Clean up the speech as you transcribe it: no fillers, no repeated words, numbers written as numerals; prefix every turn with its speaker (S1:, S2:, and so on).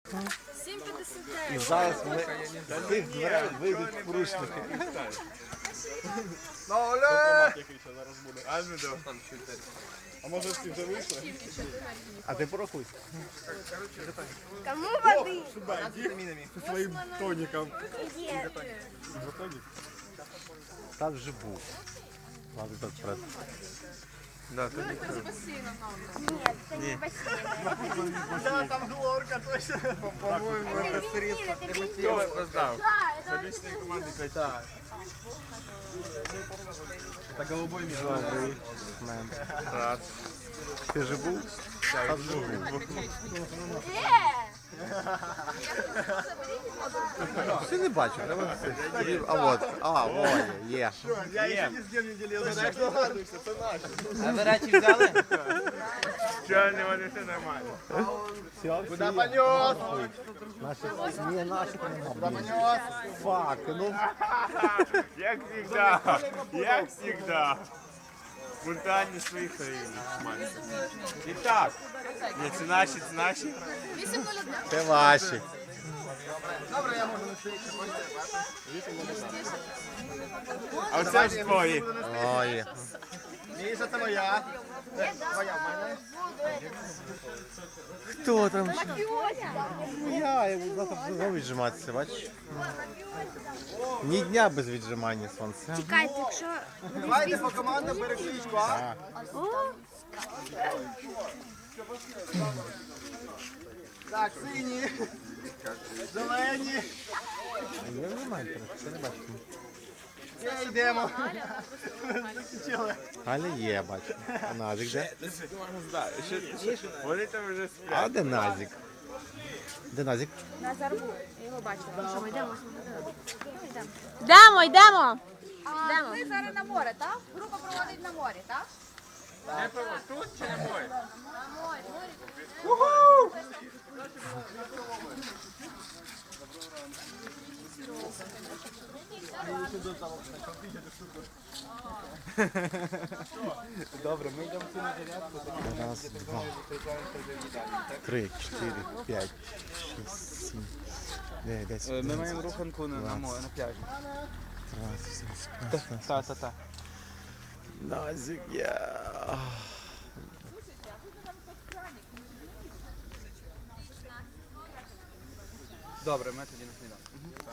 S1: І зараз ми з тих дверей вийдуть порушники.
S2: А може всі вже вийшли?
S1: А ти порахуй.
S3: Кому воды?
S2: Зі своїм тоніком.
S1: Там вже був. Ладно, так вперед.
S3: Нет, это не бассейн.
S2: Там глорка точно. По-моєму,
S3: Это
S2: це
S3: бензин,
S2: Хто роздав?
S3: Да, это
S2: Лічної команди Кайта. Це голубой мір.
S1: Добрий мен.
S2: Раз.
S1: Ти вже був? Там вже був. Ти не бачив, треба це. А от, є.
S2: Я ще ні з ким не ділив. Знаєш, догадуйся, це наше.
S4: А ви речі взяли?
S2: Чого не вони все нормально?
S1: Все,
S2: Куда понес?
S1: Наші, не наші
S2: Куда понес?
S1: Фак, ну.
S2: Як всегда. Як всегда. Спонтанні своїх країн. І так. Ні, це наші, це наші.
S1: Це ваші.
S2: А оце ж твої.
S1: Ой.
S2: Міша, це моя. Твоя в мене.
S1: Хто там? Я йому завтра знову віджиматися, бачиш? Ні дня без віджимання сонця.
S3: Чекайте, якщо...
S2: Давайте по командам перекличку, а? Так, сині. Зелені.
S1: Я не знаю, це не бачу.
S2: Все, йдемо. Закінчили.
S1: Галя є, бачу. А Назик де?
S2: Вони там вже сплять.
S1: А де Назик? Де Назик?
S3: На зарву. Я його бачила. Що ми йдемо?
S5: Йдемо, йдемо.
S6: А ви зараз на море, так? Група проводить на морі, так?
S2: Тут чи не мой?
S6: На морі.
S2: Добре, ми йдемо цю зарядку.
S1: Раз, два, 3, 4, 5, 6, 7, 9, 10,
S4: Ми маємо руханку на пляжі.
S1: 20,
S4: Та.
S1: Назик є.
S4: Добре, ми тоді на сніданок.